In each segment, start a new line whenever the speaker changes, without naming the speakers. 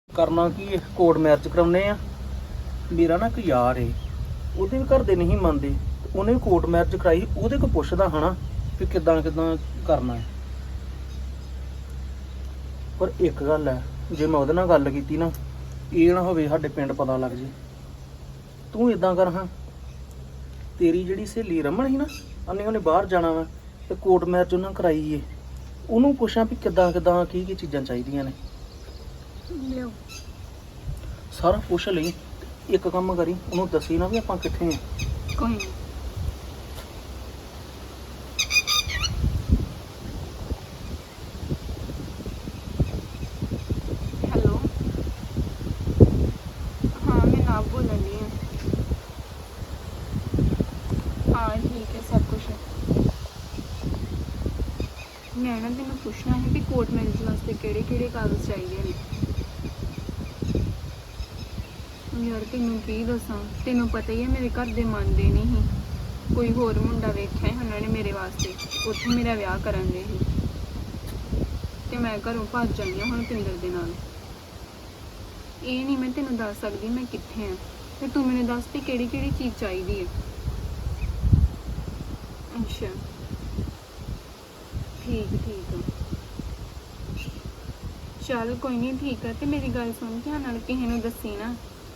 ਕਰਨਾ ਕੀ court marriage ਕਰਾਉਨੇ ਆ। ਮੇਰਾ ਨਾ ਇੱਕ ਯਾਰ ਏ, ਉਹਦੇ ਵੀ ਘਰ ਦੇ ਨਹੀਂ ਮੰਨਦੇ, ਉਹਨੇ ਵੀ ਕੋਰਟ ਮੈਰਿਜ ਕਰਾਈ। ਉਹਦੇ ਕੋਲ ਪੁੱਛਦਾ ਹਨਾ ਵੀ ਕਿੱਦਾਂ ਕਿੱਦਾਂ ਕਰਨਾ ਹੈ। ਪਰ ਇੱਕ ਗੱਲ ਹੈ, ਜੇ ਮੈਂ ਉਹਦੇ ਨਾਲ ਗੱਲ ਕੀਤੀ ਨਾ, ਇਹ ਨਾ ਹੋਵੇ ਸਾਡੇ ਪਿੰਡ ਪਤਾ ਲੱਗ ਜੇ। ਤੂੰ ਇਦਾਂ ਕਰ, ਹਾਂ ਤੇਰੀ ਜਿਹੜੀ ਸਹੇਲੀ ਰਮਨ ਸੀ ਨਾ, ਉਹਨੇ ਬਾਹਰ ਜਾਣਾ ਵਾ ਤੇ ਕੋਰਟ ਮੈਰਿਜ ਉਹਨਾਂ ਕਰਾਈ ਏ। ਉਹਨੂੰ ਪੁੱਛਾਂ ਵੀ ਕਿੱਦਾਂ ਕਿੱਦਾਂ ਕੀ ਕੀ ਚੀਜ਼ਾਂ ਚਾਹੀਦੀਆਂ ਨੇ।
ਲਿਓ
ਸਾਰਾ ਪੁੱਛ ਲਈ। ਇੱਕ ਕੰਮ ਕਰੀ, ਉਹਨੂੰ ਦੱਸੀ ਨਾ ਵੀ ਆਪਾਂ ਕਿੱਥੇ ਆ।
ਕੋਈ ਨਹੀਂ। ਹੈਲੋ, ਹਾਂ ਮੈਂ ਨਾ ਬੋਲਣ ਦੀ ਹਾਂ। ਹਾਂ ਠੀਕ ਹੈ ਸਭ ਕੁਛ। ਮੈਂ ਨਾ ਤੈਨੂੰ ਪੁੱਛਣਾ ਹੈ ਵੀ ਕੋਰਟ ਮੈਰਿਜ ਵਾਸਤੇ ਕਿਹੜੇ ਕਿਹੜੇ ਕਾਗਜ਼ ਚਾਹੀਦੇ ਨੇ। ਯਾਰ ਤੈਨੂੰ ਕੀ ਦੱਸਾਂ, ਤੈਨੂੰ ਪਤਾ ਹੀ ਹੈ ਮੇਰੇ ਘਰ ਦੇ ਮੰਨਦੇ ਨਹੀਂ ਸੀ। ਕੋਈ ਹੋਰ ਮੁੰਡਾ ਵੇਖਿਆ ਸੀ ਉਹਨਾਂ ਨੇ ਮੇਰੇ ਵਾਸਤੇ, ਉੱਥੇ ਮੇਰਾ ਵਿਆਹ ਕਰਨ ਦੇ ਸੀ ਤੇ ਮੈਂ ਘਰੋਂ ਭੱਜ ਜਾਂਦੀ ਹਾਂ ਹੁਣ ਪਿੰਦਰ ਦੇ ਨਾਲ। ਇਹ ਨਹੀਂ ਮੈਂ ਤੈਨੂੰ ਦੱਸ ਸਕਦੀ ਮੈਂ ਕਿੱਥੇ ਆ, ਤੇ ਤੂੰ ਮੈਨੂੰ ਦੱਸ ਤੇ ਕਿਹੜੀ ਕਿਹੜੀ ਚੀਜ਼ ਚਾਹੀਦੀ ਹੈ। ਅੱਛਾ ਠੀਕ ਆ, ਚੱਲ ਕੋਈ ਨਹੀਂ ਠੀਕ ਆ। ਤੇ ਮੇਰੀ ਗੱਲ ਸੁਣ, ਧਿਆਨ ਨਾਲ ਕਿਸੇ ਨੂੰ ਦੱਸੀ ਨਾ।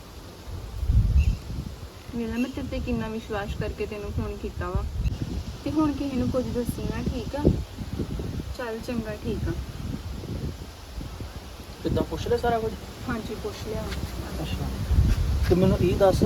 ਮੇਰਾ ਮੈਂ ਤੇਰੇ ਤੇ ਕਿੰਨਾ ਵਿਸ਼ਵਾਸ ਕਰਕੇ ਤੈਨੂੰ ਫੋਨ ਕੀਤਾ ਵਾ, ਤੇ ਹੁਣ ਕਿਸੇ ਨੂੰ ਕੁਝ ਦੱਸੀ ਨਾ, ਠੀਕ ਆ। ਚੱਲ ਚੰਗਾ, ਠੀਕ ਆ।
ਕਿੱਦਾਂ ਪੁੱਛ ਲੈ ਸਾਰਾ ਕੁਝ?
ਹਾਂਜੀ ਪੁੱਛ ਲਿਆ।
ਅੱਛਾ ਤੇ ਮੈਨੂੰ ਇਹ ਦੱਸ,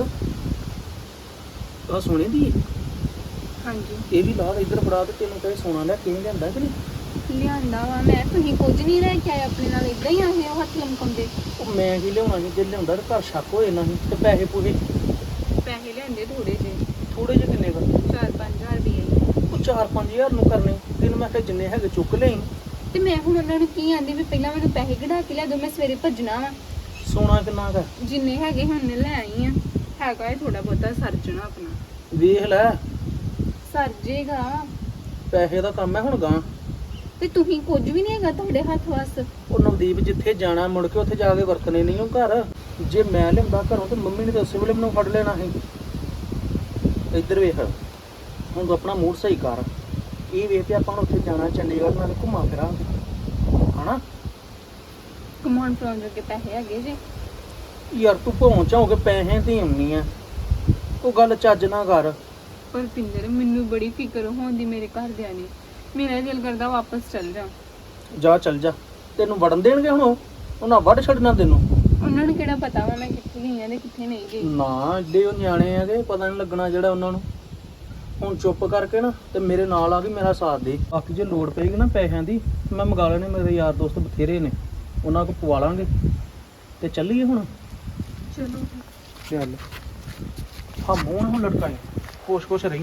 ਆਹ ਸੋਨੇ ਦੀ ਹੈ?
ਹਾਂਜੀ
ਇਹ ਵੀ ਲਾ ਇੱਧਰ ਫੜਾ ਤੇ ਤੈਨੂੰ ਕਹੇ ਸੋਨਾ ਲੈ ਕਿਵੇਂ ਲਿਆਂਦਾ ਕਿ ਨਹੀਂ?
ਲਿਆਂਦਾ ਵਾ ਮੈਂ, ਤੁਸੀਂ ਕੁਝ ਨਹੀਂ ਲੈ ਕੇ ਆਏ ਆਪਣੇ ਨਾਲ, ਇਦਾਂ ਹੀ ਆਏ ਹੋ ਹੱਥ ਲਮਕਾਉਂਦੇ।
ਉਹ ਮੈਂ ਕੀ ਲਿਆਉਣਾ ਸੀ, ਜੇ ਲਿਆਉਂਦਾ ਤਾਂ ਘਰ ਸ਼ੱਕ ਹੋਏ ਨਾ ਸੀ। ਤੇ ਪੈਸੇ ਪੂਰੇ
ਪੈਸੇ ਲਿਆਂਦੇ ਥੋੜੇ ਜਿਹੇ,
ਥੋੜੇ ਜਿਹੇ ਕਿੰਨੇ ਕਰ?
4-5 ਹਜ਼ਾਰ ਰੁਪਏ।
ਉਹ 4-5 ਹਜ਼ਾਰ ਨੂੰ ਕਰਨੇ ਤੈਨੂੰ ਮੈਂ ਕਿਹਾ ਜਿੰਨੇ ਹੈਗੇ ਚੁੱਕ ਲਈ।
ਤੇ ਮੈਂ ਹੁਣ ਉਹਨਾਂ ਨੂੰ ਕੀ ਆਂਦੀ ਵੀ ਪਹਿਲਾਂ ਮੈਨੂੰ ਪੈਸੇ ਕਢਾ ਕੇ ਲਿਆ ਦਿਓ, ਮੈਂ ਸਵੇਰੇ ਭੱਜਣਾ ਵਾ।
ਸੋਨਾ ਕਿੰਨਾ ਕੁ?
ਜਿੰਨੇ ਹੈਗੇ ਹੁਣ ਲੈ ਆਈ ਆ। ਹੈਗਾ ਇਹ ਥੋੜਾ ਬਹੁਤਾ ਸਰਜਣਾ ਆਪਣਾ।
ਵੇਖ ਲੈ,
ਸਰ ਜੇਗਾ।
ਪੈਸੇ ਦਾ ਕੰਮ ਹੈ ਹੁਣ ਗਾਂ।
ਤੇ ਤੁਸੀਂ ਕੁਝ ਵੀ ਨਹੀਂ ਹੈਗਾ ਤੁਹਾਡੇ ਹੱਥ ਵੱਸ।
ਉਹ ਨਵਦੀਪ ਜਿੱਥੇ ਜਾਣਾ ਮੁੜ ਕੇ ਉੱਥੇ ਜਾ ਕੇ ਵਰਤਣੇ ਨਹੀਂ ਉਹ ਘਰ। ਜੇ ਮੈਂ ਲਿਆਉਂਦਾ ਘਰੋਂ ਤੇ ਮੰਮੀ ਨੇ ਤਾਂ ਉਸੇ ਵੇਲੇ ਮੈਨੂੰ ਫੜ ਲੈਣਾ ਸੀ। ਇੱਧਰ ਵੇਖ, ਹੁਣ ਤੂੰ ਆਪਣਾ ਮੂਡ ਸਹੀ ਕਰ। ਇਹ ਵੇਖ ਕੇ ਆਪਾਂ ਹੁਣ ਉੱਥੇ ਜਾਣਾ ਚੰਡੀਗੜ੍ਹ, ਨਾਲ ਘੁੰਮਾ ਫਿਰਾਂਗੇ ਹਨਾ।
ਕਮਾਉਣ ਫਰਾਉਣ ਜੋਗੇ ਪੈਸੇ ਹੈਗੇ ਜੇ।
ਯਾਰ ਤੂੰ ਪਹੁੰਚ ਹੋ ਕੇ ਪੈਸੇ ਦੀ ਆਉਣੀ ਆ, ਉਹ ਗੱਲ ਚੱਜ ਨਾ ਕਰ।
ਪਰ ਪਿੰਦਰ ਮੈਨੂੰ ਬੜੀ ਫਿਕਰ ਹੋਉਂਦੀ ਮੇਰੇ ਘਰਦਿਆਂ ਨੇ। ਮੇਰਾ ਦਿਲ ਕਰਦਾ ਵਾਪਸ ਚੱਲ ਜਾ।
ਜਾ ਚੱਲ ਜਾ, ਤੈਨੂੰ ਵੜਨ ਦੇਣਗੇ ਹੁਣ? ਉਹਨਾਂ ਵੱਢ ਛੱਡਣਾ ਤੈਨੂੰ।
ਉਹਨਾਂ ਨੂੰ ਕਿਹੜਾ ਪਤਾ ਵਾ ਮੈਂ ਕਿੱਥੇ ਗਈ ਆ ਤੇ ਕਿੱਥੇ ਨਹੀਂ ਗਈ।
ਨਾ ਏਡੇ ਉਹ ਨਿਆਣੇ ਹੈਗੇ, ਪਤਾ ਨਹੀਂ ਲੱਗਣਾ ਜਿਹੜਾ ਉਹਨਾਂ ਨੂੰ। ਹੁਣ ਚੁੱਪ ਕਰਕੇ ਨਾ ਤੇ ਮੇਰੇ ਨਾਲ ਆ ਕੇ ਮੇਰਾ ਸਾਥ ਦੇ। ਬਾਕੀ ਜੇ ਲੋੜ ਪਏਗੀ ਨਾ ਪੈਸਿਆਂ ਦੀ, ਮੈਂ ਮੰਗਾ ਲੈਣੇ, ਮੇਰੇ ਯਾਰ ਦੋਸਤ ਬਥੇਰੇ ਨੇ, ਉਹਨਾਂ ਕੋਲ ਪਵਾ ਲਾਂਗੇ ਤੇ ਚੱਲੀਏ ਹੁਣ।
ਚਲੋ
ਚੱਲ ਹਾਂ, ਮੂੰਹ ਨਾ ਹੁਣ ਲਟਕਾਈ, ਖੁਸ਼ ਰਹੀ।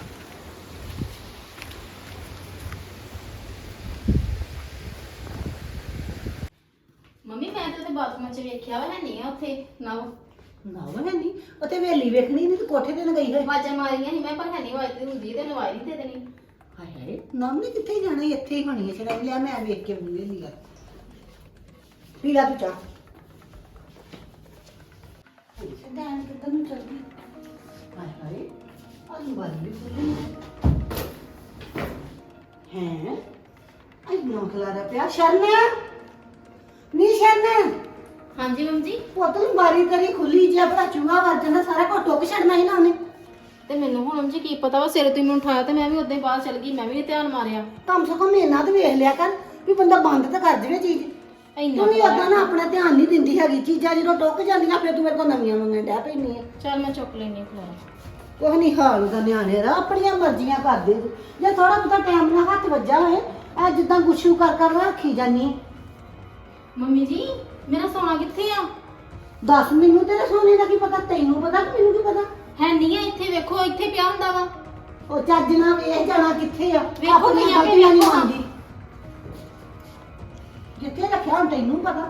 ਮੰਮੀ ਮੈਂ ਤਾਂ ਤੇ ਬਾਥਰੂਮ 'ਚ ਵੇਖਿਆ ਵਾ, ਹੈ ਨਹੀਂ ਆ ਉੱਥੇ ਨਾ।
ਨਾ ਉਹ ਹੈ ਨਹੀਂ, ਉੱਥੇ ਵੇਲੀ ਵੇਖਣੀ ਨਹੀਂ ਤੇ ਕੋਠੇ ਤੇ ਨਾ ਗਈ ਹੋਏ।
ਆਵਾਜ਼ਾਂ ਮਾਰੀਆਂ ਸੀ ਮੈਂ, ਪਰ ਹੈ ਨਹੀਂ ਆਵਾਜ਼ ਤੇ ਹੁੰਦੀ ਤੇ ਨਵਾਜ਼ ਨਹੀਂ ਦੇ ਦੇਣੀ।
ਹਾਏ ਹਾਏ, ਨਾਮ ਨੇ ਕਿੱਥੇ ਜਾਣਾ ਸੀ, ਇੱਥੇ ਹੀ ਹੋਣੀ ਹੈ। ਛੜਾ ਲਿਆ ਮੈਂ ਵੇਖ ਕੇ ਬੁਲੇ ਲਿਆ। ਪੀ ਲਾ ਤੂੰ ਚਾਹ। ਸਿੱਧਾਂ ਕਿੱਧਰ ਨੂੰ ਚੱਲਦੀ? ਹਾਏ ਹਾਏ, ਆਲੂ ਵਾਲੀ ਵੀ ਖੁੱਲੀ ਹੈ। ਅੱਜ ਨੌ ਖਲਾਰਾ ਪਿਆ। ਸ਼ਰਨ ਨੀ ਸ਼ਰਨ,
ਹਾਂਜੀ ਮੰਮੀ ਜੀ।
ਪੁੱਤ ਨੂੰ ਬਾਰੀ ਕਰੀ ਖੁੱਲੀ, ਜੇ ਆਪਣਾ ਚੂਹਾ ਵੱਜ ਜਾਂਦਾ ਸਾਰਾ ਕੁਝ ਟੁੱਕ ਛੱਡਣਾ ਸੀ ਨਾ ਉਹਨੇ।
ਤੇ ਮੈਨੂੰ ਹੁਣ ਮੰਮੀ ਜੀ ਕੀ ਪਤਾ ਵਾ, ਸਿਰ ਤੁਸੀਂ ਮੈਨੂੰ ਉਠਾਇਆ ਤੇ ਮੈਂ ਵੀ ਉਦਾਂ ਹੀ ਬਾਹਰ ਚਲ ਗਈ, ਮੈਂ ਵੀ ਨੀ ਧਿਆਨ ਮਾਰਿਆ।
ਕਮ ਸੇ ਕਮ ਇਹਨਾਂ ਤੇ ਵੇਖ ਲਿਆ ਕਰ ਵੀ ਬੰਦਾ ਬੰਦ ਤਾਂ ਕਰ ਦੇਵੇ ਚੀਜ਼।
ਇੰਨਾ
ਤੂੰ ਵੀ ਓਦਾਂ ਨਾ ਆਪਣਾ ਧਿਆਨ ਨਹੀਂ ਦਿੰਦੀ ਹੈਗੀ। ਚੀਜ਼ਾਂ ਜਦੋਂ ਟੁੱਕ ਜਾਂਦੀਆਂ ਫਿਰ ਤੂੰ ਮੇਰੇ ਕੋਲ ਨਵੀਆਂ ਮੰਗਣ ਡੈ ਪੈਂਦੀ ਆ।
ਚੱਲ ਮੈਂ ਚੁੱਕ ਲੈਣੀ ਖਲਾਰਾ।
ਕੁਛ ਨਹੀਂ ਹਾਲ ਦਾ ਨਿਆਣੇ ਦਾ, ਆਪਣੀਆਂ ਮਰਜ਼ੀਆਂ ਕਰਦੇ। ਜੇ ਥੋੜਾ ਬਹੁਤਾ ਟਾਈਮ ਨਾਲ ਹੱਥ ਵੱਜਾ ਹੋਏ, ਐ ਜਿੱਦਾਂ ਗੁੱਛੂ ਕਰ ਕਰ ਰੱਖੀ ਜਾਨੀ।
ਮੰਮੀ ਜੀ ਮੇਰਾ ਸੋਨਾ ਕਿੱਥੇ ਆ?
ਦੱਸ, ਮੈਨੂੰ ਤੇਰੇ ਸੋਨੇ ਦਾ ਕੀ ਪਤਾ, ਤੈਨੂੰ ਪਤਾ ਕਿ ਮੈਨੂੰ ਕੀ ਪਤਾ?
ਹੈ ਨਹੀਂ ਆ ਇੱਥੇ, ਵੇਖੋ ਇੱਥੇ ਪਿਆ ਹੁੰਦਾ ਵਾ।
ਉਹ ਚੱਜ ਨਾਲ ਵੇਖ ਜਾਣਾ ਕਿੱਥੇ ਆ।
ਵੇਖੋ
ਆਪਣੀਆਂ
ਭਈਆ,
ਗਲਤੀਆਂ ਨਹੀਂ
ਵੇਖੋ ਨਾ।
ਮੰਨਦੀ। ਜਿੱਥੇ ਰੱਖਿਆ ਹੁਣ ਤੈਨੂੰ ਪਤਾ।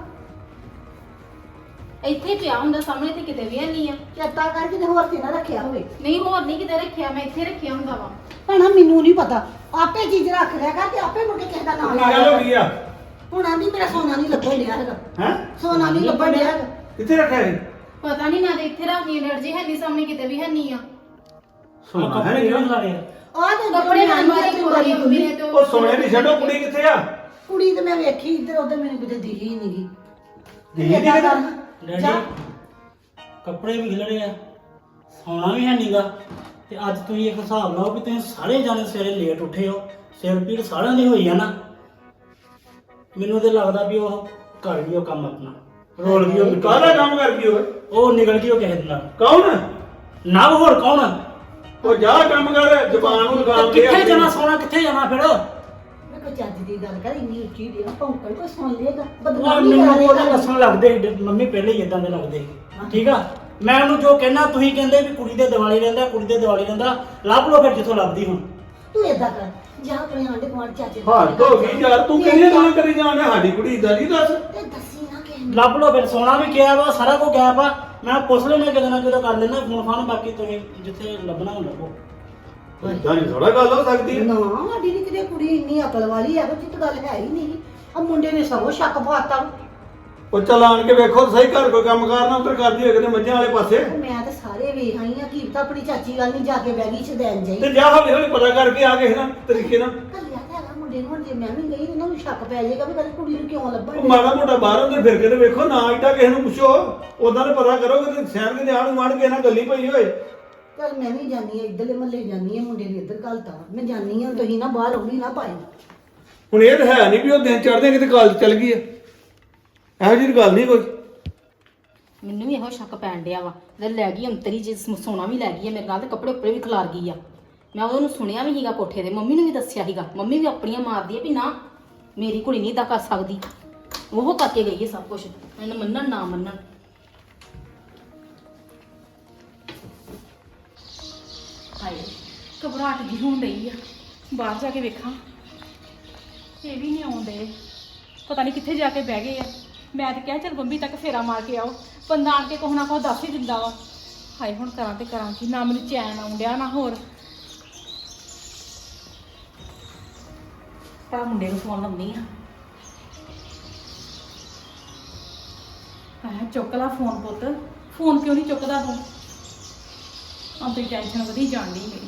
ਇੱਥੇ ਪਿਆ ਹੁੰਦਾ ਸਾਹਮਣੇ, ਤੇ ਕਿਤੇ ਵੀ ਹੈ ਨਹੀਂ ਆ।
ਚੇਤਾ ਕਰ ਕਿਤੇ ਹੋਰ ਤੇ ਨਾ ਰੱਖਿਆ ਹੋਵੇ।
ਨਹੀਂ ਹੋਰ ਨਹੀਂ ਕਿਤੇ ਰੱਖਿਆ, ਮੈਂ ਇੱਥੇ ਰੱਖਿਆ ਹੁੰਦਾ ਵਾ।
ਭੈਣਾ ਮੈਨੂੰ ਨਹੀਂ ਪਤਾ, ਆਪੇ ਚੀਜ਼ ਰੱਖ ਲਿਆ ਕਰ ਤੇ ਆਪੇ ਮੁੜ ਕੇ ਕਿਸੇ ਦਾ ਨਾਮ
ਕੀ ਗੱਲ ਹੋ ਗਈ ਆ?
ਹੁਣ ਆਂਦੀ ਮੇਰਾ ਸੋਨਾ ਨਹੀਂ ਲੱਭਣ ਡਿਆ ਹੈਗਾ।
ਹੈ
ਸੋਨਾ ਨਹੀਂ ਲੱਭਣ ਡਿਆ ਹੈਗਾ।
ਕਿੱਥੇ ਰੱਖਿਆ ਇਹ
ਪਤਾ ਨਹੀਂ, ਮੈਂ ਤੇ ਇੱਥੇ ਰੱਖੀ ਡਰ ਜੀ ਹੈ ਨਹੀਂ, ਸਾਹਮਣੇ ਕਿਤੇ ਵੀ ਹੈ ਨਹੀਂ ਆ।
ਸੋਨਾ ਹੈ ਨਹੀਂ
ਆਹ ਤੇ
ਕੱਪੜੇ ਅਲਮਾਰੀ ਚ ਪਈ ਮੰਮੀ ਨੇ ਤੇ
ਉਹ ਸੋਨੇ ਦੀ ਛੱਡੋ, ਕੁੜੀ ਕਿੱਥੇ ਆ?
ਕੁੜੀ ਤੇ ਮੈਂ ਵੇਖੀ ਇੱਧਰ ਉੱਧਰ, ਮੈਨੂੰ ਕਿਤੇ ਦਿਖੀ ਹੀ ਨਹੀਂਗੀ।
ਦਿਖੀ ਨੀ ਕਿਤੇ?
ਡੈਡੀ ਕੱਪੜੇ ਵੀ ਖਿਲਰੇ ਆ, ਸੌਣਾ ਵੀ ਹੈ ਨੀਗਾ। ਤੇ ਅੱਜ ਤੁਸੀਂ ਇੱਕ ਹਿਸਾਬ ਲਾਓ ਵੀ ਤੁਸੀਂ ਸਾਰੇ ਜਾਣੇ ਸਵੇਰੇ ਲੇਟ ਉੱਠੇ ਹੋ, ਸਿਰ ਪੀੜ ਸਾਰਿਆਂ ਦੀ ਹੋਈ ਆ ਨਾ। ਮੈਨੂੰ ਤੇ ਲੱਗਦਾ ਵੀ ਉਹ ਕਰ ਗਈ ਉਹ ਕੰਮ ਆਪਣਾ, ਰੋਲ ਗਈ ਉਹ।
ਕਾਹਦਾ ਕੰਮ ਕਰ ਗਈ ਓਏ?
ਉਹ ਨਿਕਲ ਗਈ ਉਹ ਕਿਸੇ ਦੇ ਨਾਲ।
ਕੌਣ?
ਨਾ ਹੋਰ ਕੌਣ?
ਉਹ ਜਾ ਕੰਮ ਕਰ, ਜ਼ਬਾਨ ਨੂੰ ਲਗਾਮ ਦੇ।
ਕਿੱਥੇ ਜਾਣਾ ਸੌਣਾ, ਕਿੱਥੇ ਜਾਣਾ ਫਿਰ?
ਮੈਂ ਕੋਈ ਚੱਜ ਦੀ ਗੱਲ ਕਰ, ਇੰਨੀ ਉੱਚੀ ਦੀ ਨਾ ਭੌਂਕਣ ਕੋਈ ਸੁਣ ਲੇਗਾ,
ਉਹ
ਬਦਨਾਮੀ
ਮੈਨੂੰ
ਕਰਾ
ਉਹਦੇ
ਲੇਗਾ।
ਦੱਸਣ ਲੱਗਦੇ ਸੀ, ਮੰਮੀ ਪਹਿਲੇ ਹੀ ਇਦਾਂ ਦੇ ਲੱਗਦੇ ਸੀ। ਠੀਕ ਆ, ਮੈਂ ਉਹਨੂੰ ਜੋ ਕਹਿਣਾ ਤੁਸੀਂ ਕਹਿੰਦੇ ਵੀ ਕੁੜੀ ਦੇ ਦਿਵਾਲੀ ਰਹਿੰਦਾ, ਕੁੜੀ ਦੇ ਦਿਵਾਲੀ ਰਹਿੰਦਾ। ਲੱਭ ਲਓ ਫਿਰ ਜਿੱਥੋਂ ਲੱਭਦੀ ਹੁਣ।
ਤੂੰ ਏਦਾਂ ਕਰ, ਜਾ ਆਪਣੇ ਆਂਢ ਗੁਆਂਢ ਚਾਚੇ ਦੇ
ਹੱਦ
ਘਰ
ਹੋ ਗਈ ਯਾਰ, ਤੂੰ ਕਿਹੜੀਆਂ ਗੱਲਾਂ ਕਰੀ ਜਾਣਾ? ਸਾਡੀ ਕੁੜੀ ਇਦਾਂ ਨਹੀਂ ਦੱਸ।
ਤੇ ਦੱਸੀ ਨਾ ਕਿਸੇ ਨੂੰ।
ਲੱਭ ਲਓ ਫਿਰ, ਸੋਨਾ ਵੀ ਗਿਆ ਵਾ, ਸਾਰਾ ਕੁਝ ਗਿਆ ਵਾ। ਮੈਂ ਪੁੱਛ ਲੈਣਾ ਕਿਤੇ ਨਾ ਕਿਤੇ ਕਰ ਲੈਣਾ ਫੋਨ ਫਾਨ, ਬਾਕੀ ਤੁਸੀਂ ਜਿੱਥੇ ਲੱਭਣਾ ਹੁਣ ਲੱਭੋ।
ਇਦਾਂ ਨਹੀਂ ਥੋੜਾ ਗੱਲ ਹੋ ਸਕਦੀ।
ਨਾ ਸਾਡੀ ਨੀ ਕਿਤੇ ਕੁੜੀ ਇੰਨੀ ਅਕਲ ਵਾਲੀ ਹੈ, ਜਿੱਤ ਗੱਲ ਹੈ ਹੀ ਨਹੀਂ। ਆ ਮੁੰਡੇ ਨੇ ਸਗੋਂ ਸ਼ੱਕ ਪਾਤਾ।
ਉਹ ਚੱਲ ਆਣ ਕੇ ਵੇਖੋ ਤਾਂ ਸਹੀ, ਘਰ ਕੋਈ ਕੰਮ ਕਰਨਾ ਉਧਰ ਕਰਦੀ ਹੋਏ ਕਿਤੇ ਮੱਝਾਂ ਵਾਲੇ ਪਾਸੇ।
ਮੈਂ ਤਾਂ ਸਾਰੇ ਵੇਖ ਆਈ ਆ, ਕੀ ਪਤਾ ਆਪਣੀ ਚਾਚੀ ਗੱਲ ਨਹੀਂ ਜਾ ਕੇ ਬਹਿ ਗਈ ਛਦੈਨ ਜਾਈ।
ਤੇ ਜਾ ਹੌਲੀ ਹੌਲੀ ਪਤਾ ਕਰਕੇ ਆ ਕਿਸੇ ਨਾ ਤਰੀਕੇ ਨਾਲ।
ਕੱਲਿਆ ਤਾਂ ਹੈਗਾ ਮੁੰਡੇ ਨੂੰ, ਹੁਣ ਜੇ ਮੈਂ ਵੀ ਗਈ ਉਹਨਾਂ ਨੂੰ ਸ਼ੱਕ ਪੈ ਜਾਏਗਾ ਵੀ ਕਦੇ ਕੁੜੀ ਨੂੰ ਕਿਉਂ ਲੱਭਣ
ਉਹ ਮਾੜਾ ਮੋਟਾ ਬਾਹਰ ਅੰਦਰ ਫਿਰ ਕੇ ਤੇ ਵੇਖੋ, ਨਾ ਇੱਦਾਂ ਕਿਸੇ ਨੂੰ ਪੁੱਛੋ। ਉਦਾਂ ਤੇ ਪਤਾ ਕਰੋ ਕਿ ਸ਼ਹਿਰ ਦੇ ਆਣ ਗੁਆਂਢ ਕੇ ਨਾ ਗੱਲੀ ਪਈ ਹੋਏ।
ਚੱਲ ਮੈਂ ਵੀ ਜਾਨੀ ਆ, ਇੱਧਰਲੇ ਮਹੱਲੇ ਜਾਨੀ ਆ, ਮੁੰਡੇ ਨੇ ਇੱਧਰ ਘਲਤਾ। ਮੈਂ ਜਾਨੀ ਆ, ਤੁਸੀਂ ਨਾ ਬਾਹਰ ਆਉਣੀ ਨਾ ਪਾਈ।
ਹੁਣ ਇਹ ਤਾਂ ਹੈ ਨਹੀਂ ਵੀ ਉਹ ਦਿਨ ਚੜ੍ਹਦੇ ਕਿਤੇ ਕਾਲਜ ਚੱਲ ਗਈ ਆ, ਇਹੋ ਜਿਹੀ ਗੱਲ ਨਹੀਂ ਕੋਈ।
ਮੈਨੂੰ ਵੀ ਇਹੋ ਸ਼ੱਕ ਪੈਣ ਡਿਆ ਵਾ, ਤੇ ਲੈ ਗਈ ਅੰਤਰੀ ਜੇ ਸੋਨਾ ਵੀ ਲੈ ਗਈ ਆ ਮੇਰੇ ਨਾਲ, ਤੇ ਕੱਪੜੇ ਉੱਪਰੇ ਵੀ ਖਿਲਾਰ ਗਈ ਆ। ਮੈਂ ਉਹਨੂੰ ਸੁਣਿਆ ਵੀ ਸੀਗਾ ਕੋਠੇ ਤੇ, ਮੰਮੀ ਨੂੰ ਵੀ ਦੱਸਿਆ ਸੀਗਾ। ਮੰਮੀ ਵੀ ਆਪਣੀਆਂ ਮਾਰਦੀ ਆ ਵੀ ਨਾ ਮੇਰੀ ਕੁੜੀ ਨਹੀਂ ਇਦਾਂ ਕਰ ਸਕਦੀ। ਉਹ ਕਰਕੇ ਗਈ ਹੈ ਸਭ ਕੁਝ, ਇਹਨੂੰ ਮੰਨਣ ਨਾ ਮੰਨਣ। ਹਾਏ ਘਬਰਾਹਟ ਜਿਹੀ ਹੋਣ ਡਈ ਆ, ਬਾਹਰ ਜਾ ਕੇ ਵੇਖਾਂ। ਇਹ ਵੀ ਨਹੀਂ ਆਉਂਦੇ, ਪਤਾ ਨਹੀਂ ਕਿੱਥੇ ਜਾ ਕੇ ਬਹਿ ਗਏ ਆ। ਮੈਂ ਤਾਂ ਕਿਹਾ ਚੱਲ ਬੰਬੀ ਤੱਕ ਫੇਰਾ ਮਾਰ ਕੇ ਆਓ, ਬੰਦਾ ਆਣ ਕੇ ਕੁਛ ਨਾ ਕੁਛ ਦੱਸ ਹੀ ਦਿੰਦਾ ਵਾ। ਹਾਏ ਹੁਣ ਕਰਾਂ ਤੇ ਕਰਾਂ ਕੀ, ਨਾ ਮੈਨੂੰ ਚੈਨ ਆਉਣ ਡਿਆ ਨਾ ਹੋਰ। ਪਰ ਮੁੰਡੇ ਨੂੰ ਫੋਨ ਲਾਉਂਦੀ ਆ। ਹਾਏ ਚੁੱਕ ਲਾ ਫੋਨ ਪੁੱਤ, ਫੋਨ ਕਿਉਂ ਨਹੀਂ ਚੁੱਕਦਾ ਤੂੰ? ਆਪਣੀ ਟੈਨਸ਼ਨ ਵਧੀ ਜਾਣ ਡਈ ਮੇਰੀ।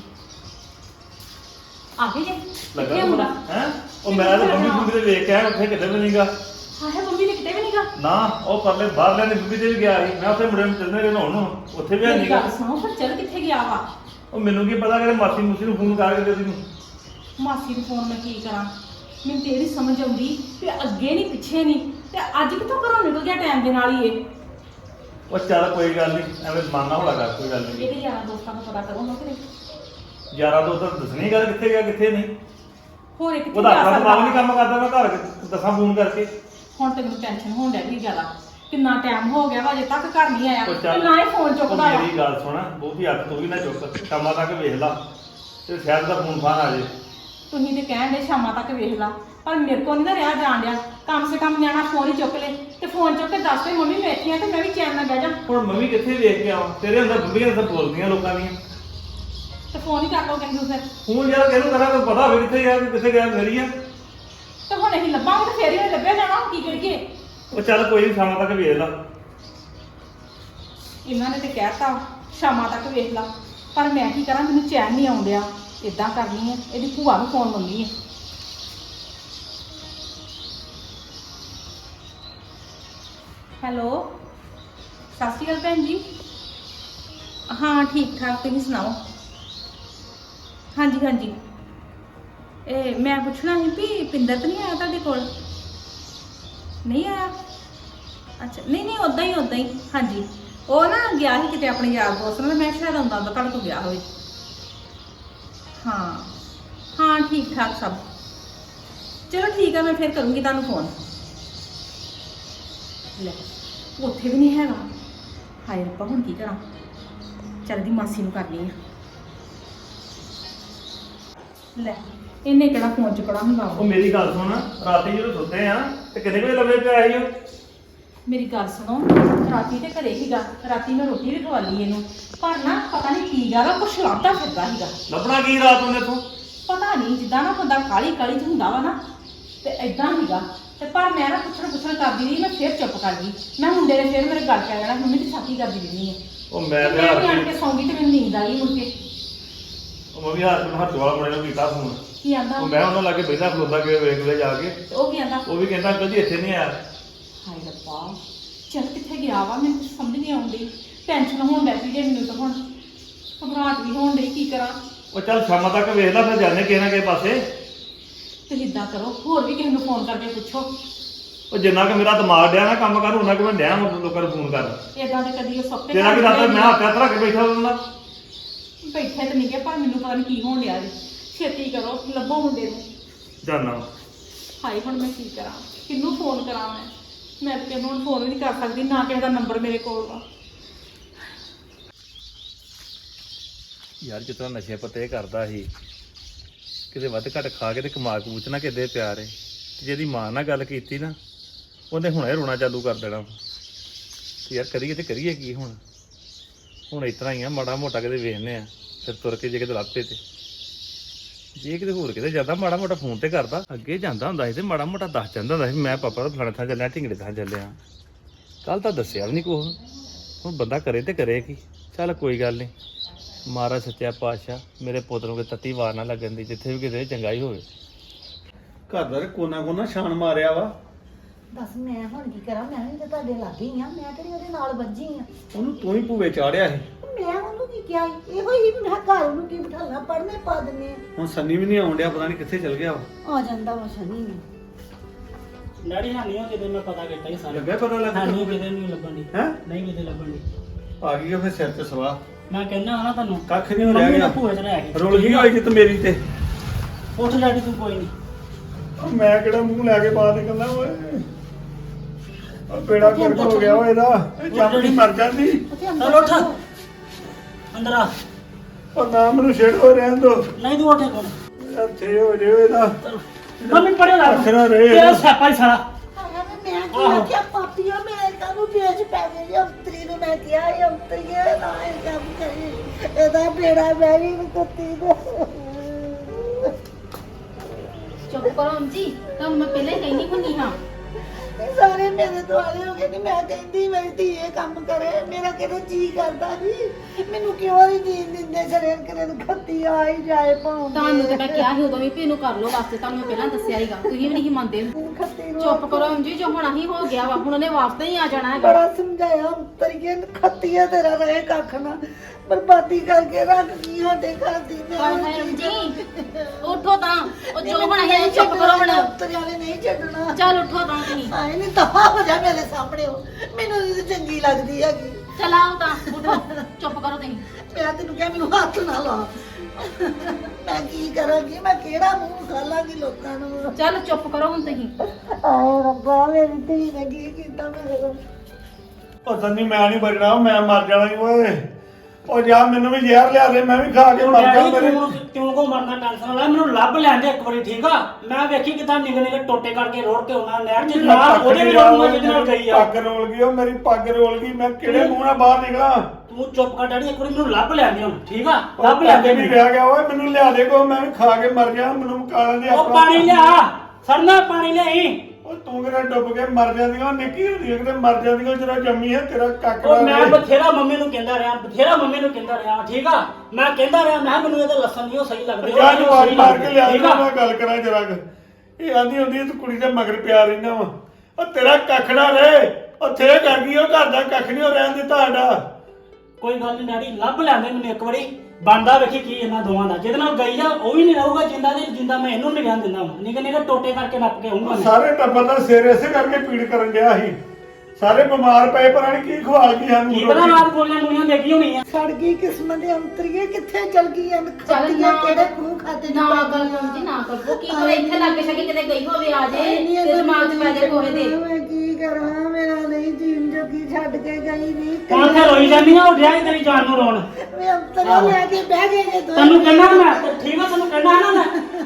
ਆ ਗਏ ਜੇ ਕਿੱਥੇ ਹੁੰਦਾ
ਹੈ ਉਹ ਮੈਂ ਤਾਂ ਮੰਮੀ ਮੰਮੀ ਦੇ ਵੇਖ ਕੇ ਆਇਆ, ਉੱਥੇ ਕਿਤੇ ਵੀ ਨਹੀਂਗਾ।
ਹਾਏ ਮੰਮੀ ਨੇ ਕਿਤੇ ਵੀ ਨਹੀਂਗਾ।
ਨਾ ਉਹ ਪਰਲੇ ਬਾਹਰਲੇ ਨੇ ਬੀਬੀ ਦੇ ਵੀ ਗਿਆ ਸੀ, ਮੈਂ ਉੱਥੇ ਮੁੰਡੇ ਨੂੰ ਚੱਲਦੇ ਰਹੇ ਨਹਾਉਣ ਨੂੰ, ਉੱਥੇ ਵੀ
ਮੇਰੀ
ਨਹੀਂਗਾ।
ਗੱਲ ਸੁਣੋ, ਫਿਰ ਚੱਲ ਕਿੱਥੇ ਗਿਆ ਵਾ?
ਉਹ ਮੈਨੂੰ ਕੀ ਪਤਾ ਕਿ ਮਾਸੀ ਮੂਸੀ ਨੂੰ ਫੋਨ ਕਰਕੇ ਦੇ ਦੀ ਨੂੰ।
ਮਾਸੀ ਨੂੰ ਫੋਨ ਮੈਂ ਕੀ ਕਰਾਂ? ਮੈਨੂੰ ਤੇ ਇਹਦੀ ਸਮਝ ਆਉਂਦੀ ਵੀ ਅੱਗੇ ਨਹੀਂ ਪਿੱਛੇ ਨਹੀਂ, ਤੇ ਅੱਜ ਕਿੱਥੋਂ ਘਰੋਂ ਨਿਕਲ ਗਿਆ ਟਾਈਮ ਦੇ ਨਾਲ ਹੀ ਇਹ।
ਉਹ ਚੱਲ ਕੋਈ ਗੱਲ ਨਹੀਂ, ਐਵੇਂ ਮਾਨਾ ਹੋਲਾ ਕਰ, ਕੋਈ ਗੱਲ ਨਹੀਂ।
ਇਹਦੇ ਯਾਰਾਂ ਦੋਸਤਾਂ ਨੂੰ ਪਤਾ ਕਰੋ ਨਾ ਕਿਤੇ
ਯਾਰਾਂ ਤੋਂ ਤਾਂ ਦੱਸਣੀ ਗੱਲ ਕਿੱਥੇ ਗਿਆ ਕਿੱਥੇ ਨਹੀਂ।
ਹੋਰ ਇੱਕ
ਉਹਦਾ ਆਪਣਾ ਦਿਮਾਗ ਨਹੀਂ ਕੰਮ ਕਰਦਾ, ਮੈਂ ਘਰ ਦੱਸਾਂ ਫੋਨ ਕਰਕੇ।
ਹੁਣ ਤੇ ਮੈਨੂੰ ਟੈਨਸ਼ਨ ਹੋਣ ਡੈ ਗਈ ਜ਼ਿਆਦਾ। ਕਿੰਨਾ ਟਾਈਮ ਹੋ ਗਿਆ ਵਾ ਅਜੇ ਤੱਕ ਘਰ ਨਹੀਂ ਆਇਆ,
ਉਹ
ਤੇ
ਚੱਲ
ਨਾ ਹੀ ਫੋਨ
ਉਹ
ਚੁੱਕਦਾ ਵਾ।
ਮੇਰੀ ਗੱਲ ਸੁਣ, ਬਹੁਤੀ ਹੱਥ ਤੂੰ ਵੀ ਨਾ ਚੁੱਕ, ਸ਼ਾਮਾਂ ਤੱਕ ਵੇਖ ਲਾ ਤੇ ਸ਼ਾਇਦ ਦਾ ਫੋਨ ਫਾਨ ਆ ਜੇ।
ਤੁਸੀਂ ਤੇ ਕਹਿਣ ਦੇ ਸ਼ਾਮਾਂ ਤੱਕ ਵੇਖ ਲਾ, ਪਰ ਮੇਰੇ ਕੋਲ ਨਹੀਂ ਨਾ ਰਿਹਾ ਜਾਣ ਡਿਆ। ਕਮ ਸੇ ਕਮ ਨਿਆਣਾ ਫੋਨ ਹੀ ਚੁੱਕ ਲੈ, ਤੇ ਫੋਨ ਚੁੱਕ ਕੇ ਦੱਸ ਦੇ ਮੰਮੀ ਮੈਂ ਇੱਥੇ ਆ, ਤੇ ਮੈਂ ਵੀ ਚੈਨ ਨਾਲ ਬਹਿ ਜਾ।
ਹੁਣ ਮੰਮੀ ਕਿੱਥੇ ਵੇਖ ਕੇ ਆਵਾਂ, ਤੇਰੇ ਅੰਦਰ ਬੰਬੀਆਂ ਤਾਂ ਬੋਲਦੀਆਂ ਲੋਕਾਂ ਦੀਆਂ।
ਤੇ ਫੋਨ ਹੀ ਕਰ ਲਓ ਕਹਿੰਦੇ ਫਿਰ।
ਹੁਣ ਯਾਰ ਕਿਹਨੂੰ ਕਰਾਂ, ਤੈਨੂੰ ਪਤਾ ਹੋਵੇ ਕਿੱਥੇ ਗਿਆ ਕਿੱਥੇ ਗਿਆ ਮੇਰੀ ਆ।
ਤੇ ਹੁਣ ਅਸੀਂ ਲੱਭਾਂਗੇ ਤੇ ਫੇਰ ਹੀ ਲੱਭਿਆ ਜਾਣਾ, ਕੀ ਕਰੀਏ?
ਉਹ ਚੱਲ ਕੋਈ ਨਹੀਂ, ਸ਼ਾਮਾਂ ਤੱਕ ਵੇਖ ਲਾ।
ਇਹਨਾਂ ਨੇ ਤੇ ਕਹਿਤਾ ਸ਼ਾਮਾਂ ਤੱਕ ਵੇਖ ਲਾ, ਪਰ ਮੈਂ ਕੀ ਕਰਾਂ, ਮੈਨੂੰ ਚੈਨ ਨਹੀਂ ਆਉਣ ਡਿਆ। ਇਦਾਂ ਕਰਨੀ ਹੈ, ਇਹਦੀ ਭੂਆ ਨੂੰ ਫੋਨ ਲਾਉਣੀ ਹੈ। ਹੈਲੋ ਸਤਿ ਸ਼੍ਰੀ ਅਕਾਲ ਭੈਣ ਜੀ। ਹਾਂ ਠੀਕ ਠਾਕ, ਤੁਸੀਂ ਸੁਣਾਓ? ਹਾਂਜੀ ਹਾਂਜੀ, ਇਹ ਮੈਂ ਪੁੱਛਣਾ ਸੀ ਵੀ ਪਿੰਦਰ ਤਾਂ ਨਹੀਂ ਆਇਆ ਤੁਹਾਡੇ ਕੋਲ? ਨਹੀਂ ਆਇਆ? ਅੱਛਾ ਨਹੀਂ ਨਹੀਂ, ਉੱਦਾਂ ਹੀ ਹਾਂਜੀ। ਉਹ ਨਾ ਗਿਆ ਸੀ ਕਿਤੇ ਆਪਣੇ ਯਾਰ ਦੋਸਤ ਨਾਲ, ਮੈਂ ਸ਼ਾਇਦ ਆਉਂਦਾ ਤੁਹਾਡੇ ਕੋਲ ਗਿਆ ਹੋਵੇ। ਹਾਂ ਹਾਂ ਠੀਕ ਠਾਕ ਸਭ। ਚਲੋ ਠੀਕ ਆ, ਮੈਂ ਫਿਰ ਕਰੂੰਗੀ ਤੁਹਾਨੂੰ ਫੋਨ। ਲੈ ਉੱਥੇ ਵੀ ਨਹੀਂ ਹੈਗਾ। ਹਾਏ ਰੱਬਾ ਹੁਣ ਕੀ ਕਰਾਂ? ਚੱਲ ਦੀ ਮਾਸੀ ਨੂੰ ਕਰਨੀ ਆ। ਲੈ ਇਹਨੇ ਕਿਹੜਾ ਫੋਨ ਚੁੱਕਣਾ ਹੁੰਦਾ ਵਾ।
ਉਹ ਮੇਰੀ ਗੱਲ ਸੁਣ, ਰਾਤੀ ਜਦੋਂ ਸੁੱਤੇ ਆ ਤੇ ਕਿੰਨੇ ਵਜੇ ਲੰਮੇ ਪਿਆ ਸੀ ਉਹ?
ਮੇਰੀ ਗੱਲ ਸੁਣੋ, ਰਾਤੀ ਤੇ ਘਰੇ ਸੀਗਾ, ਰਾਤੀ ਮੈਂ ਰੋਟੀ ਵੀ ਖਵਾ ਲਈ ਇਹਨੂੰ, ਪਰ ਨਾ ਪਤਾ ਨਹੀਂ ਕੀ ਗੱਲ ਆ, ਕੁਛ ਲੱਭਦਾ ਫਿਰਦਾ ਸੀਗਾ।
ਲੱਭਣਾ ਕੀ ਰਾਤ ਉਹਨੇ ਤੂੰ?
ਪਤਾ ਨਹੀਂ, ਜਿੱਦਾਂ ਨਾ ਬੰਦਾ ਕਾਲੀ ਕਾਲੀ ਚ ਹੁੰਦਾ ਵਾ ਨਾ, ਤੇ ਏਦਾਂ ਸੀਗਾ। ਤੇ ਪਰ ਮੈਂ ਨਾ ਪੁੱਛਣ ਕਰਦੀ ਰਹੀ, ਮੈਂ ਫੇਰ ਚੁੱਪ ਕਰ ਗਈ। ਮੈਂ ਮੁੰਡੇ ਨੇ ਫੇਰ ਮੇਰੇ ਗੱਲ ਪੈ ਜਾਣਾ, ਮੰਮੀ ਦੀ ਛਾਤੀ ਕਰਦੀ ਰਹਿੰਦੀ ਹੈ।
ਉਹ ਮੈਂ ਤੇ
ਮੈਂ
ਹਾਰ
ਵੀ ਆਣ
ਕੇ
ਕੇ ਸੌਂਗੀ ਤੇ ਮੈਨੂੰ ਨੀਂਦ ਆ ਗਈ ਮੁੜ ਕੇ।
ਉਹ ਮੈਂ ਵੀ ਹੱਥ ਵਾਲਾ ਮੁੰਡੇ ਨੂੰ ਕੀਤਾ ਫੋਨ।
ਕੀ ਆਂਦਾ
ਉਹ ਮੈਂ ਉਹਨਾਂ ਲਾਗੇ ਬੈਠਾ ਖਲੋਤਾ ਕਿ ਵੇਖ ਲੈ ਜਾ ਕੇ।
ਤੇ ਉਹ ਕੀ ਆਂਦਾ?
ਉਹ ਵੀ ਕਹਿੰਦਾ ਅੰਕਲ ਜੀ ਇੱਥੇ ਨਹੀਂ ਆਇਆ।
ਹਾਏ ਰੱਬਾ, ਚੱਲ ਕਿੱਥੇ ਗਿਆ ਵਾ, ਮੈਨੂੰ ਕੁਛ ਸਮਝ ਨਹੀਂ ਆਉਂਦੀ। ਟੈਨਸ਼ਨ ਹੋਣ ਲੱਗ ਪਈ ਜੇ ਮੈਨੂੰ ਤਾਂ ਹੁਣ, ਘਬਰਾਹਟ ਵੀ ਹੋਣ ਡਈ, ਕੀ ਕਰਾਂ।
ਉਹ ਚੱਲ ਸ਼ਾਮਾਂ ਤੱਕ ਵੇਖ ਲੈ, ਫਿਰ ਜਾਣੇ ਕਿਸੇ ਨਾ ਕਿਸੇ ਪਾਸੇ।
ਤੁਸੀਂ ਇਦਾਂ ਕਰੋ, ਹੋਰ ਵੀ ਕਿਸੇ ਨੂੰ ਫੋਨ ਕਰਕੇ ਪੁੱਛੋ।
ਉਹ ਜਿੰਨਾ ਕਿ ਮੇਰਾ ਦਿਮਾਗ ਡਿਆ ਨਾ ਕੰਮ ਕਰ, ਉਹਨਾਂ ਕਿ ਮੈਂ ਡਿਆ ਲੋਕਾਂ ਨੂੰ ਫੋਨ ਕਰ।
ਏਦਾਂ ਤੇ ਕਦੀ ਉਹ ਸੁੱਤੇ
ਤੇਰਾ ਕੀ ਰਾਤ ਮੈਂ ਹੱਥ ਰੱਖ ਕੇ ਬੈਠਾ ਹੁੰਦਾ।
ਬੈਠੇ ਤੇ ਨਹੀਂ ਗਿਆ, ਪਰ ਮੈਨੂੰ ਪਤਾ ਨਹੀਂ ਕੀ ਹੋਣ ਡਿਆ ਜੀ। ਛੇਤੀ ਕਰੋ, ਲੱਭੋ ਮੁੰਡੇ ਨੂੰ।
ਜਾਨਾ
ਹਾਏ ਹੁਣ ਮੈਂ ਕੀ ਕਰਾਂ, ਕਿਹਨੂੰ ਫੋਨ ਕਰਾਂ ਮੈਂ ਤਾਂ ਕਿਸੇ ਨੂੰ ਫੋਨ ਵੀ ਨਹੀਂ ਕਰ ਸਕਦੀ, ਨਾ ਕਿਸੇ ਦਾ ਨੰਬਰ ਮੇਰੇ ਕੋਲ ਵਾ।
ਯਾਰ ਜਿੱਦਾਂ ਨਸ਼ੇ ਪੱਤੇ ਕਰਦਾ ਸੀ, ਕਿਤੇ ਵੱਧ ਘੱਟ ਖਾ ਕੇ ਤੇ ਕਮਾ ਕੂਚ ਨਾ ਕਿਤੇ ਪਿਆਰ ਏ। ਤੇ ਜਿਹਦੀ ਮਾਂ ਨਾਲ ਗੱਲ ਕੀਤੀ ਨਾ, ਉਹਨੇ ਹੁਣੇ ਰੋਣਾ ਚਾਲੂ ਕਰ ਦੇਣਾ। ਤੇ ਯਾਰ ਕਰੀਏ ਤੇ ਕਰੀਏ ਕੀ ਹੁਣ ਇਸ ਤਰ੍ਹਾਂ ਹੀ ਆ, ਮਾੜਾ ਮੋਟਾ ਕਿਤੇ ਵੇਖਨੇ ਆ, ਫਿਰ ਤੁਰ ਕੇ ਜੇ ਕਿਤੇ ਲੱਭੇ ਤੇ ਜੇ ਕਿਤੇ ਹੋਰ ਕਿਤੇ ਜਾਂਦਾ ਮਾੜਾ ਮੋਟਾ ਫੋਨ ਤੇ ਕਰਦਾ। ਅੱਗੇ ਜਾਂਦਾ ਹੁੰਦਾ ਸੀ ਤੇ ਮਾੜਾ ਮੋਟਾ ਦੱਸ ਜਾਂਦਾ ਹੁੰਦਾ ਸੀ, ਮੈਂ ਪਾਪਾ ਦਾ ਫਲਾਣੇ ਥਾਂ ਚੱਲਿਆ, ਢਿੰਗੜੇ ਥਾਂ ਚੱਲਿਆ। ਕੱਲ ਤਾਂ ਦੱਸਿਆ ਵੀ ਨਹੀਂ ਕੁਛ। ਹੁਣ ਬੰਦਾ ਕਰੇ ਤੇ ਕਰੇ ਕੀ। ਚੱਲ ਕੋਈ ਗੱਲ ਨਹੀਂ, ਮਹਾਰਾਜ ਸੱਚਾ ਪਾਤਸ਼ਾਹ ਮੇਰੇ ਪੁੱਤ ਨੂੰ ਤੱਤੀ ਵਾਰ ਨਾ ਲੱਗਣ ਦੀ, ਜਿੱਥੇ ਵੀ ਕਿਤੇ ਚੰਗਾਈ ਹੋਵੇ।
ਘਰ ਦਾ ਕੋਨਾ ਕੋਨਾ ਛਾਣ ਮਾਰਿਆ ਵਾ।
ਦੱਸ ਮੈਂ ਹੁਣ ਕੀ ਕਰਾਂ, ਮੈਂ ਵੀ ਤਾਂ ਤੁਹਾਡੇ ਲਾਗੇ ਹੀ ਆ, ਮੈਂ ਕਿਹੜੀ ਉਹਦੇ ਨਾਲ ਵੱਜੀ ਆ।
ਉਹਨੂੰ ਤੂੰ ਹੀ ਭੂਵੇ ਚਾੜਿਆ ਸੀ।
ਮੈਂ ਉਹਨੂੰ ਕੀ ਕਿਹਾ ਸੀ? ਇਹੋ ਹੀ ਵੀ ਮੈਂ ਘਰ ਉਹਨੂੰ ਕੀ ਬਿਠਾਉਣਾ, ਪੜ੍ਹਨੇ ਪਾ ਦਿੰਦੇ ਆ।
ਹੁਣ ਸੰਨੀ ਵੀ ਨਹੀਂ ਆਉਣ ਡਿਆ, ਪਤਾ ਨਹੀਂ ਕਿੱਥੇ ਚਲ ਗਿਆ ਵਾ।
ਆ ਜਾਂਦਾ ਵਾ ਸ਼ਨੀ ਨੂੰ।
ਡੈਡੀ ਹਾਨੀ ਹੋ ਕਿਤੇ, ਮੈਂ ਪਤਾ ਕੀਤਾ ਹੀ ਸਾਰੇ।
ਲੱਗਾ ਪਤਾ ਲੱਗਾ
ਹਾਨੀ ਕਿਤੇ ਨਹੀਂ ਲੱਭਣ ਦੀ।
ਹੈ
ਨਹੀਂ ਕਿਤੇ ਲੱਭਣ ਦੀ।
ਆ ਗਈ ਉਹ ਫਿਰ ਸਿਰ ਤੇ ਸਵਾ।
ਮੈਂ ਕਹਿੰਦਾ ਹਾਂ ਨਾ ਤੁਹਾਨੂੰ,
ਕੱਖ ਨਹੀਂ ਹੋ ਰਿਹਾ ਗਿਆ।
ਭੂਏ ਚ ਰਹਿ ਗਈ।
ਰੁਲ ਗਈ ਹੋਈ ਜਿੱਤ ਮੇਰੀ ਤੇ।
ਉੱਠ ਡੈਡੀ ਤੂੰ, ਕੋਈ ਨਹੀਂ।
ਉਹ ਮੈਂ ਕਿਹੜਾ ਮੂੰਹ ਲੈ ਕੇ ਬਾਹਰ ਨਿਕਲਦਾ ਓਏ। ਉਹ ਬੇੜਾ ਗਰਕ ਹੋ ਗਿਆ ਓਏ ਇਹਦਾ। ਇਹ ਚਾਪੜੀ ਮਰ ਜਾਂਦੀ।
ਉੱਥੇ
ਚਲ
ਅੰਦਰ
ਉੱਠ, ਅੰਦਰ ਆ।
ਉਹ ਨਾ ਮੈਨੂੰ ਛੇੜ ਹੋ ਰਹਿਣ ਦੋ।
ਨਹੀਂ ਤੂੰ ਉੱਠੇ ਕੋਲ।
ਇੱਥੇ ਹੋ ਜੇ ਇਹਦਾ।
ਮੰਮੀ ਪੜੇ ਲਾ
ਅੱਖਰਾਂ ਰਹੇ
ਤੇਰਾ ਸਿਆਪਾ ਹੀ ਸਾਰਾ।
ਮੈਂ ਕੀ ਆਖਿਆ ਪਾਪੀਆ, ਮੈਂ ਕਾਹਨੂੰ ਵੇਚ ਪੈ ਗਈ ਅੰਤਰੀ ਨੂੰ। ਮੈਂ ਕਿਹਾ ਇਹ ਅੰਤਰੀਏ ਨਾ ਇਹ ਕੰਮ ਕਰੀ, ਇਹਦਾ ਬੇੜਾ ਮੈਂ ਵੀ ਕੁੱਤੀ ਦਾ।
ਚੁੱਪ ਕਰੋ ਅੰਜੀ, ਤੁਹਾਨੂੰ ਮੈਂ ਪਹਿਲਾਂ ਹੀ ਕਹਿੰਦੀ ਹੁੰਦੀ ਹਾਂ।
ਸਾਰੇ ਮੇਰੇ ਦੁਆਲੇ ਹੋ ਗਏ ਨੇ। ਮੈਂ ਕਹਿੰਦੀ ਮੇਰੀ ਧੀ ਇਹ ਕੰਮ ਕਰੇ, ਮੇਰਾ ਕਿਹੜਾ ਜੀ ਕਰਦਾ ਜੀ। ਮੈਨੂੰ ਕਿਉਂ ਨਹੀਂ ਜੀਣ ਦਿੰਦੇ ਸ਼ਰੀਰ ਕਰੇ ਨੂੰ ਖੱਤੀ ਆ ਹੀ ਜਾਏ ਭਾਵੇਂ।
ਤੁਹਾਨੂੰ ਤੇ ਮੈਂ ਕਿਹਾ ਸੀ ਉਦੋਂ ਵੀ ਵੀ ਇਹਨੂੰ ਕਰ ਲਓ ਵਾਸਤੇ, ਤੁਹਾਨੂੰ ਮੈਂ ਪਹਿਲਾਂ ਦੱਸਿਆ ਸੀਗਾ, ਤੁਸੀਂ ਵੀ ਨਹੀਂ ਮੰਨਦੇ।
ਖੱਤੀ ਨੂੰ
ਚੁੱਪ ਕਰੋ ਅੰਜੀ, ਜੋ ਹੋਣਾ ਹੀ ਹੋ ਗਿਆ ਵਾ, ਹੁਣ ਉਹਨੇ ਵਾਸਤੇ ਹੀ ਆ ਜਾਣਾ ਹੈਗਾ।
ਬੜਾ ਸਮਝਾਇਆ ਅੰਤਰੀਏ ਖੱਤੀਆ ਤੇਰਾ ਰਹੇ ਕੱਖ ਨਾ, ਬਰਬਾਦੀ ਕਰਕੇ ਰੱਖ ਗਈ ਸਾਡੇ ਘਰ ਦੀ।
ਹਾਏ ਹਾਏ ਅੰਜੀ, ਉੱਠੋ ਤਾਂ, ਉਹ ਜੋ ਹੋਣਾ ਹੈ ਚੁੱਪ ਕਰੋ ਹੁਣ।
ਅੰਤਰੀਆਂ ਨੇ ਨਹੀਂ ਛੱਡਣਾ।
ਚੱਲ ਉੱਠੋ ਤਾਂ ਤੁਸੀਂ।
ਆਏ ਨਹੀਂ ਦਫਾ ਹੋ ਜਾ ਮੇਰੇ ਸਾਹਮਣੇ। ਮੈਨੂੰ ਇਹ ਚੰਗੀ ਲੱਗਦੀ ਹੈਗੀ।
ਚੱਲ ਆਓ ਤਾਂ, ਉੱਠੋ, ਚੁੱਪ ਕਰੋ ਤੁਸੀਂ।
ਮੈਂ ਤੈਨੂੰ ਕਿਹਾ ਮੈਨੂੰ ਹੱਥ ਨਾ ਲਾ। ਮੈਂ ਕੀ ਕਰਾਂਗੀ, ਮੈਂ ਕਿਹੜਾ ਮੂੰਹ ਖਾਲਾਂਗੀ ਲੋਕਾਂ ਨੂੰ।
ਚੱਲ ਚੁੱਪ ਕਰੋ ਹੁਣ ਤੁਸੀਂ।
ਆਏ ਰੱਬਾ, ਮੇਰੀ ਧੀ ਨੇ ਕੀ ਕੀਤਾ ਮੇਰੇ ਨਾਲ।
ਉਹ ਸੰਨੀ ਮੈਂ ਨਹੀਂ ਬਚਣਾ, ਮੈਂ ਮਰ ਜਾਣਾ ਈ ਓਏ। ਉਹ ਜਾ ਮੈਨੂੰ ਵੀ ਜ਼ਹਿਰ ਲਿਆ ਦੇ, ਮੈਂ ਵੀ ਖਾ ਕੇ ਮਰ ਜਾ। ਮੇਰੇ
ਕਿਉਂ ਕੋ ਮਰਨਾ, ਟੈਨਸ਼ਨ ਲੈ। ਮੈਨੂੰ ਲੱਭ ਲੈਂਦੇ ਇੱਕ ਵਾਰੀ, ਠੀਕ ਆ। ਮੈਂ ਵੇਖੀ ਕਿਦਾਂ ਨਿੱਕੇ ਨਿੱਕੇ ਟੋਟੇ ਕਰਕੇ ਰੋੜ ਕੇ ਆਉਣਾ ਨਹਿਰ ਚ, ਨਾਲ ਉਹਦੇ ਵੀ ਰੋੜੂਗਾ ਜਿਹਦੇ ਨਾਲ ਗਈ ਆ।
ਪੱਗ ਰੋਲ ਗਈ, ਉਹ ਮੇਰੀ ਪੱਗ ਰੋਲ ਗਈ। ਮੈਂ ਕਿਹੜੇ ਮੂੰਹ ਨਾਲ ਬਾਹਰ ਨਿਕਲਾਂ?
ਤੂੰ ਚੁੱਪ ਕਰ ਡੈਡੀ, ਇੱਕ ਵਾਰੀ ਮੈਨੂੰ ਲੱਭ ਲੈਂਦੇ ਹੁਣ, ਠੀਕ ਆ। ਲੱਭ ਲੈਂਦੇ
ਵੀ ਰਹਿ ਗਿਆ ਓਏ, ਮੈਨੂੰ ਲਿਆ ਦੇ ਕੋ, ਮੈਂ ਵੀ ਖਾ ਕੇ ਮਰ ਜਾ। ਮੈਨੂੰ ਮਕਾਲਾਂ ਦੇ
ਉਹ ਪਾਣੀ ਲਿਆ, ਸੜਨਾ ਪਾਣੀ ਲਿਆਈ।
ਉਹ ਤੂੰ ਕਿਹੜਾ ਡੁੱਬ ਕੇ ਮਰ ਜਾਂਦੀਆਂ, ਉਹ ਨਿੱਕੀ ਹੁੰਦੀ ਹੈ ਕਿਤੇ ਮਰ ਜਾਂਦੀਆਂ। ਜਦੋਂ ਜੰਮੀ ਹੈ ਤੇਰਾ ਕੱਕ
ਉਹ ਮੈਂ ਬਥੇਰਾ ਮੰਮੀ ਨੂੰ ਕਹਿੰਦਾ ਰਿਹਾ, ਬਥੇਰਾ ਮੰਮੀ ਨੂੰ ਕਹਿੰਦਾ ਰਿਹਾ, ਠੀਕ ਆ। ਮੈਂ ਕਹਿੰਦਾ ਰਿਹਾ, ਮੈਂ ਮੈਨੂੰ ਇਹਦੇ ਲੱਸਣ ਨਹੀਂ ਉਹ ਸਹੀ ਲੱਗਦੇ।
ਜਾ ਨੂੰ ਵਾਰ ਮਾਰ ਕੇ ਲਿਆ ਦੇ,
ਠੀਕ ਆ।
ਮੈਂ ਗੱਲ ਕਰਾਂ ਜਰਾ। ਇਹ ਆਂਦੀ ਹੁੰਦੀ ਤੂੰ ਕੁੜੀ ਦੇ ਮਗਰ ਪਿਆ ਰਹਿਣਾ ਵਾ। ਉਹ ਤੇਰਾ ਕੱਖ ਨਾ ਰਹੇ, ਉੱਥੇ ਕਰ ਗਈ ਉਹ ਘਰ ਦਾ ਕੱਖ ਨਹੀਂ ਉਹ ਰਹਿਣ ਦਿੱਤਾ ਸਾਡਾ।
ਕੋਈ ਗੱਲ ਨਹੀਂ ਡੈਡੀ, ਲੱਭ ਲੈਂਦੇ ਮੈਨੂੰ ਇੱਕ ਵਾਰੀ। ਬੰਦਾ ਵੇਖੀ ਕੀ ਇਹਨਾਂ ਦੋਵਾਂ ਦਾ, ਜਿਹਦੇ ਨਾਲ ਗਈ ਆ ਉਹ ਵੀ ਨਹੀਂ ਰਹੂਗਾ ਜਿੰਦਾ ਦੇ ਜਿੰਦਾ। ਮੈਂ ਇਹਨੂੰ ਨਹੀਂ ਰਹਿਣ ਦਿੰਦਾ। ਨਿੱਕੇ ਨਿੱਕੇ ਟੋਟੇ ਕਰਕੇ ਨੱਪ ਕੇ ਆਉਂਗਾ।
ਸਾਰੇ ਟੱਬਰ ਦਾ ਸਿਰ ਇਸੇ ਕਰਕੇ ਪੀੜ ਕਰਨ ਡਿਆ ਸੀ। ਸਾਰੇ ਬਿਮਾਰ ਪਏ, ਪਤਾ ਨਹੀਂ ਕੀ ਖਵਾ ਗਈ ਸਾਨੂੰ।
ਕੀ ਪਤਾ ਰਾਤ ਗੋਲੀਆਂ ਗੋਲੀਆਂ ਦੇਖੀ ਹੋਣੀ ਆ।
ਸੜ ਗਈ ਕਿਸਮਤ ਦੇ ਅੰਤਰੀਏ, ਕਿੱਥੇ ਚਲ ਗਈ ਐ?
ਚੱਲ
ਖੱਤੀਆਂ
ਨਾ,
ਕਿਹੜੇ ਖੂਹ ਖਾਤੇ
ਨਾ ਕਰੋ ਅੰਜੀ, ਨਾ ਕਰੋ। ਕੀ ਕਰੇ, ਇੱਥੇ ਲੱਗ ਸਕੇ ਕਿਤੇ ਗਈ ਹੋਵੇ ਆ ਜੇ ਤੇ ਦਿਮਾਗ 'ਚ ਪੈ ਜਾਏ ਕੋਹੇ ਦੇ।
ਮੈਂ ਕੀ ਕਰਾਂ, ਮੇਰਾ ਨਹੀਂ ਜੀਣ ਜੋਗੀ ਛੱਡ ਕੇ ਗਈ ਨਹੀਂ।
ਕੌਣ ਤੇ ਰੋਈ ਜਾਂਦੀ ਆ, ਉੱਠਿਆ ਤੇਰੀ ਜਾਨ ਨੂੰ ਰੋਣ।
ਮੈਂ ਅੰਤਰੀਆ ਲੈ ਕੇ ਬਹਿ ਗਏ ਜੇ ਦੋ।
ਤੈਨੂੰ ਕਹਿਣਾ ਮੈਂ, ਠੀਕ ਆ, ਤੈਨੂੰ ਕਹਿਣਾ ਨਾ ਮੈਂ।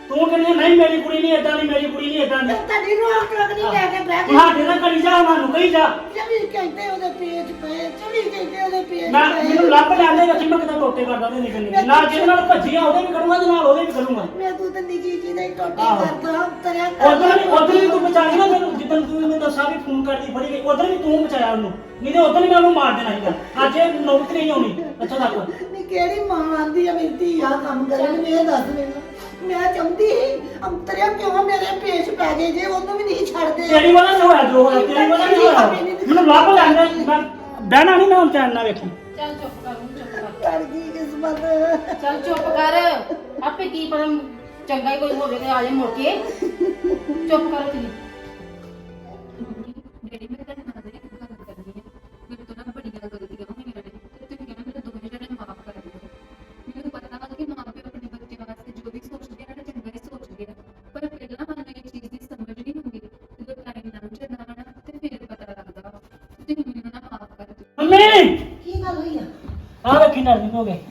ਤੂੰ ਕਹਿੰਦੀ ਨਹੀਂ ਮੇਰੀ ਕੁੜੀ ਨਹੀਂ ਏਦਾਂ ਦੀ ਮੇਰੀ ਕੁੜੀ ਨਹੀਂ ਏਦਾਂ ਦੀ
ਤੁਹਾਡੀ ਰੋਕ ਟੋਕ ਨਹੀਂ ਲੈ ਕੇ ਬਹਿ ਗਈ
ਹਾਂ ਤੇਰਾ ਕਰੀ ਜਾ ਉਹਨਾਂ ਨੂੰ ਕਹੀ ਜਾ
24 ਘੰਟੇ ਉਹਦੇ ਪੇਜ ਪਏ 24 ਘੰਟੇ ਉਹਦੇ ਪੇਜ
ਮੈਂ
ਪਏ
ਮੈਨੂੰ ਲੱਭ ਲੈਂਦੇ ਰੱਖੀ ਮੈਂ ਕਿਤੇ ਟੋਟੇ ਕਰਦਾ ਤੇ ਨਿਕਲ ਨਾਲ ਜਿਹਦੇ ਨਾਲ ਭੱਜੀਆਂ ਉਹਦੇ ਵੀ ਕਰੂੰਗਾ ਤੇ ਨਾਲ ਉਹਦੇ ਵੀ ਕਰੂੰਗਾ
ਮੈਂ ਤੂੰ ਤੇ ਨਿੱਕੀ ਜੀ ਦੇ ਟੋਟੇ
ਆਹੋ।
ਕਰਦਾ ਤਰਿਆ
ਉਧਰ ਵੀ ਤੂੰ ਬਚਾ ਨਾ ਮੈਨੂੰ ਜਿੱਦਣ ਤੂੰ ਮੈਨੂੰ ਦੱਸਿਆ ਵੀ ਫੋਨ ਕਰਦੀ ਫੜੀ ਗਈ ਉਧਰ ਵੀ ਤੂੰ ਬਚਾਇਆ ਉਹਨੂੰ ਨਹੀਂ ਤੇ ਉਧਰ ਵੀ ਮੈਂ ਉਹਨੂੰ ਮਾਰ ਦੇਣਾ ਸੀਗਾ ਅੱਜ ਇਹ ਨੌਬਤ ਨਹੀਂ ਆਉਣੀ ਅੱਛਾ ਤੱਕ
ਨਹੀਂ ਕਿਹੜੀ ਮਾਂ ਆਂਦੀ ਆ ਮੇਰੀ ਧੀ ਆ ਕੰਮ ਕਰੇ ਮੈਨੂੰ ਇਹ ਦੱਸ ਮੈਨੂੰ ਮੈਂ ਚਾਹੁੰਦੀ ਅੰਤਰਿਆ ਕਿਉਂ ਮੇਰੇ ਪੇਸ਼ ਪੈ ਗਏ ਜੇ ਉਹਨੂੰ ਵੀ ਨਹੀਂ ਛੱਡਦੇ
ਤੇਰੀ ਵਜ੍ਹਾ ਨਾਲ ਹੋਇਆ ਜੋ ਹੋਇਆ ਤੇਰੀ ਵਜ੍ਹਾ ਨਾਲ ਹੋਇਆ ਮੈਨੂੰ ਲੱਭ ਲੈਂਦੇ ਮੈਂ ਬਹਿਣਾ ਨਹੀਂ ਮੈਂ ਹੁਣ ਚੈਨ ਨਾਲ ਵੇਖੀ
ਚੱਲ ਚੁੱਪ ਕਰ ਹੁਣ ਚੁੱਪ ਕਰ
ਕਰ ਗਈ ਕਿਸਮਤ
ਚੱਲ ਚੁੱਪ ਕਰ ਆਪੇ ਕੀ ਪਤਾ ਚੰਗਾ ਹੀ ਕੋਈ ਹੋਵੇ ਤੇ ਆ ਜਾਏ ਮੁੜ ਕੇ ਚੁੱਪ ਕਰ ਤੁਸੀਂ
ਡੈਡੀ ਮੈਂ ਤੁਹਾਡੇ ਨਾਲ ਇੱਕ ਗੱਲ ਕਰਨੀ ਹੈ ਮੇਰੇ ਤੋਂ ਨਾ ਬੜੀਆਂ ਗਲਤੀਆਂ ਹੋਈਆਂ ਨੇ ਤੇ ਤੁਸੀਂ ਕਹਿੰਦੇ ਮੇਰੇ ਦੋਵੇਂ ਜਣੇ ਮਾਫ ਕਰ ਦਿਓ ਮੈਨੂੰ ਪਤਾ ਵਾ ਕਿ ਮਾਂ ਪਿਓ ਆਪਣੇ ਬੱਚੇ ਵਾਸਤੇ ਜੋ ਵੀ ਸੋਚਦੇ ਆ ਨਾ ਚੰਗਾ ਹੀ ਸੋਚਦੇ ਆ ਪਰ ਪਹਿਲਾਂ ਸਾਨੂੰ ਇਹ ਚੀਜ਼ ਦੀ ਸਮਝ ਨਹੀਂ ਹੁੰਦੀ ਜਦੋਂ ਟਾਈਮ ਲੰਘ ਜਾਂਦਾ ਵਾ ਨਾ ਤੇ ਫਿਰ ਪਤਾ ਲੱਗਦਾ ਵਾ ਤੁਸੀਂ ਮੈਨੂੰ ਨਾ ਮਾਫ ਕਰ ਦਿਓ
ਮੰਮੀ
ਕੀ ਗੱਲ ਹੋਈ ਆ
ਆ ਵੇਖੀ ਨਾਲ ਹੋ ਗਏ